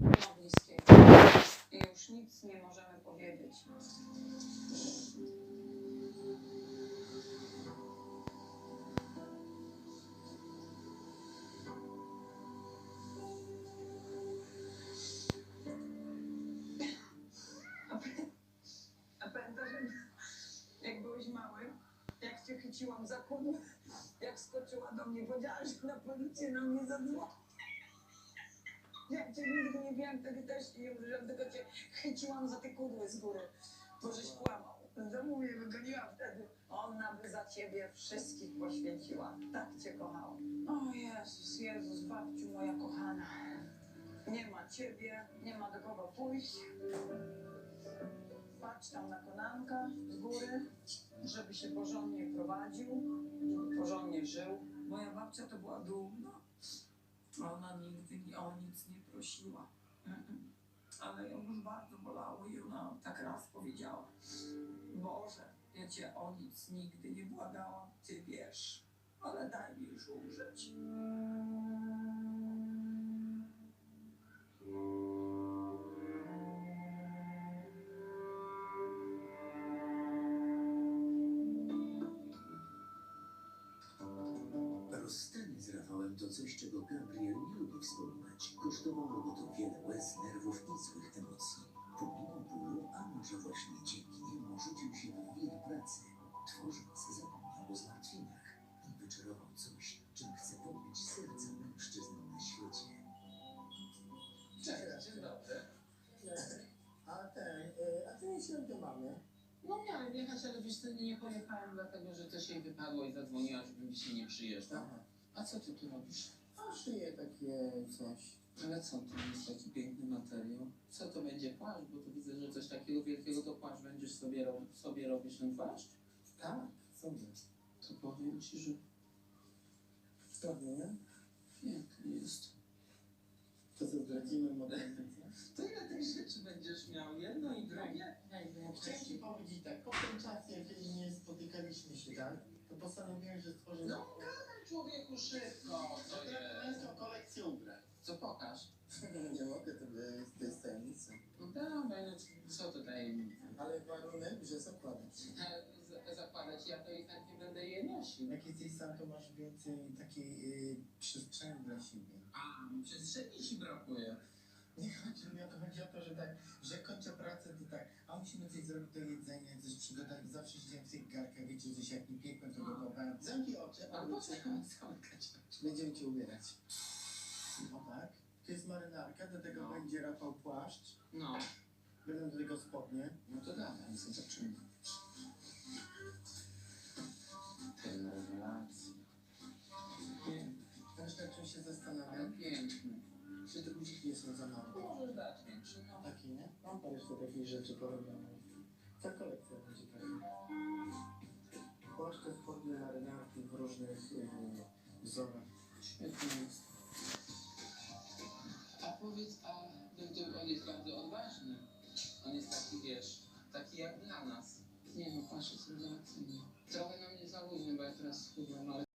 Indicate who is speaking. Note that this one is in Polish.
Speaker 1: ma bliskiej. I już nic nie możemy powiedzieć. A pamiętasz, jak byłeś mały, jak cię chyciłam za kudłę, jak skoczyła do mnie, powiedziała, że na policję na mnie zadzwoni. Ja cię nigdy nie wiem, wtedy też nie użyłam, tylko cię chyciłam za te kudły z góry, bo żeś kłamał. Z domu mnie wygoniła wtedy. Ona by za ciebie wszystkich poświęciła. Tak cię kochała. O Jezus, Jezus, babciu moja kochana. Nie ma ciebie, nie ma do kogo pójść. Patrz tam na konanka z góry, żeby się porządnie prowadził, żeby porządnie żył. Moja babcia to była dumna. Ona nigdy o nic nie prosiła. Ale ją już bardzo bolało i ona tak raz powiedziała: Boże, ja cię o nic nigdy nie błagałam, ty wiesz, ale daj mi już umrzeć.
Speaker 2: Rozstanie z Rafałem to coś, czego Gabriel nie lubi wspominać. Kosztowało go to wiele łez, nerwów i złych emocji. Pomimo bólu, a może właśnie dzięki niemu rzucił się w wir pracy. Tworząc, zapomniał o zmartwieniach i wyczarował coś, czym chce podbić serca mężczyzn na świecie.
Speaker 3: Cześć, dzień dobry.
Speaker 4: A ty nie święty mamy?
Speaker 3: No miałem jechać, ale wiesz co, nie pojechałem, dlatego że coś jej wypadło i zadzwoniła, żebym dzisiaj nie przyjeżdżał.
Speaker 4: Aha.
Speaker 3: A co ty tu robisz?
Speaker 4: A szyję takie coś.
Speaker 3: Ale co, to jest taki piękny materiał? Co to będzie płaszcz? Bo tu widzę, że coś takiego wielkiego to płaszcz będziesz sobie robisz ten płaszcz?
Speaker 4: Tak, sobie.
Speaker 3: To powiem ci, że
Speaker 4: Sprawnie, nie?
Speaker 3: piękny jest.
Speaker 4: To co, zdradzimy modernizację?
Speaker 3: To ile tych rzeczy będziesz miał? Jedno i drugie?
Speaker 4: Chciałem ci powiedzieć tak, po tym czasie, jeżeli nie spotykaliśmy się, tak? To postanowiłem, że stworzę
Speaker 3: No gadaj człowieku szybko, co jest?
Speaker 4: męską kolekcję ubrań.
Speaker 3: Co pokaż?
Speaker 4: Nie mogę, to jest tajemnica.
Speaker 3: No dawaj, no co to tajemnica?
Speaker 4: Ale warunek, że zakładać.
Speaker 3: Zakładać, ja to i chętnie będę je nosił.
Speaker 4: Jak jesteś sam, to masz więcej takiej przestrzeni dla siebie.
Speaker 3: A, przestrzeni ci brakuje.
Speaker 4: Nie chodzi mi o to, chodzi o to, że tak, że kończę pracę, to tak, a musimy coś zrobić do jedzenia, coś przygotować, zawsze siedziałem w tych garkach, wiecie, coś jak nie piekłem, to gotowałem. Zamknij oczy,
Speaker 3: Albo co mam zamkać?
Speaker 4: będziemy cię ubierać. O tak, to jest marynarka, do tego
Speaker 3: No.
Speaker 4: będzie Rafał płaszcz,
Speaker 3: No,
Speaker 4: będą do tego spodnie.
Speaker 3: no to dawaj, zobaczymy. Rewelacja. Piękny,
Speaker 4: Też tak czym się
Speaker 3: ale
Speaker 4: zastanawiam,
Speaker 3: piękny.
Speaker 4: czy te guziki nie są za małe.
Speaker 3: Możesz dać większy, no.
Speaker 4: Takie, nie? Mam parę jeszcze takich rzeczy porobionych. Ta kolekcja będzie taka. Płaszcze, spodnie, marynarki w różnych wzorach.
Speaker 3: Świetnie jest. A powiedz, on jest bardzo odważny. On jest taki, wiesz, taki jak dla nas. Nie no, patrz, co rewelacyjnie. Trochę na mnie za luźny, bo ja teraz schudłem, ale